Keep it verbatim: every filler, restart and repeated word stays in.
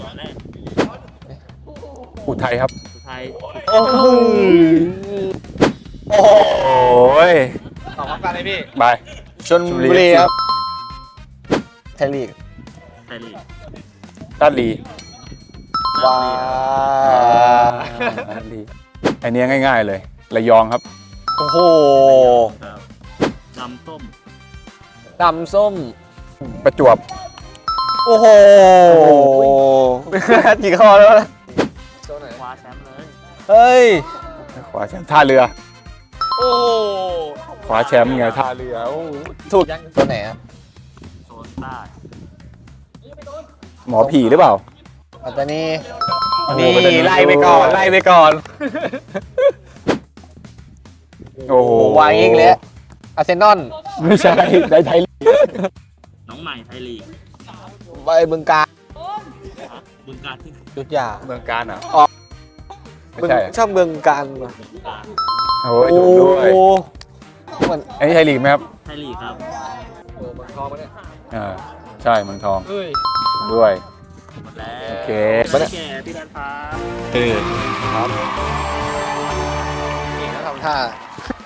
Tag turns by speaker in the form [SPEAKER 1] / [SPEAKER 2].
[SPEAKER 1] ต่อแรก
[SPEAKER 2] อุทัยครับ
[SPEAKER 1] สุดท้าย
[SPEAKER 3] โอ้โห
[SPEAKER 2] โอ้ย
[SPEAKER 3] ตอบพร้อมกันเลยพี่
[SPEAKER 2] ไป
[SPEAKER 3] ชลบุรีครับไทยลีก
[SPEAKER 1] ไทยลีก
[SPEAKER 2] ลาดลี
[SPEAKER 3] ว้า
[SPEAKER 2] ลาดลีอันนี้ง่ายๆเลยระยองครับ
[SPEAKER 3] โอ้โห
[SPEAKER 1] ครับดำส้ม
[SPEAKER 3] ดำส้ม
[SPEAKER 2] ประจวบ
[SPEAKER 3] โอ้โหกี่ข้อแล้วนะ
[SPEAKER 1] คว้าแชมป์เลย
[SPEAKER 3] เฮ้ย
[SPEAKER 2] ขวาแชมป์ท่าเรือ
[SPEAKER 3] โอ้
[SPEAKER 2] ขวาแชมป์ไงท่าเรือโอ้
[SPEAKER 3] ถูกตัวไหนอะ
[SPEAKER 1] โซนใต้
[SPEAKER 2] หมอผีหรือเปล่า
[SPEAKER 3] ปัตตานี
[SPEAKER 2] โอ้โห
[SPEAKER 3] นี่
[SPEAKER 2] ปัตตานี
[SPEAKER 3] ไล่ไปก่อนไล่ไปก่อน
[SPEAKER 2] โอ้โห
[SPEAKER 3] วางอีกแล้วอาร์เซนอล
[SPEAKER 2] ไม่ใช่ได้ไทยลีก
[SPEAKER 1] น้องใหม่ไทยลีก
[SPEAKER 3] ไปบึงกาฬ
[SPEAKER 1] บึงการที่
[SPEAKER 3] ยุทธยา
[SPEAKER 2] เมืองการอ่ะ
[SPEAKER 3] อ๋อ
[SPEAKER 2] ไม่ใช่
[SPEAKER 3] ชอบเมืองการว่ะ
[SPEAKER 1] บึงการ
[SPEAKER 2] โอ้ยถูกด้วย
[SPEAKER 3] เหมือน
[SPEAKER 2] อันนี้ไทยลีกไหมครับ
[SPEAKER 1] ไทยลีกครับ
[SPEAKER 3] เมืองทองปะเนี่ย
[SPEAKER 2] อ่าใช่เมืองทอง
[SPEAKER 3] เฮ้ย
[SPEAKER 2] ด้วย
[SPEAKER 1] หมดแล้ว
[SPEAKER 2] โอเค
[SPEAKER 1] ไม่ได้แก่พี่นันพา
[SPEAKER 2] เออ
[SPEAKER 3] นี่เขาทำท่า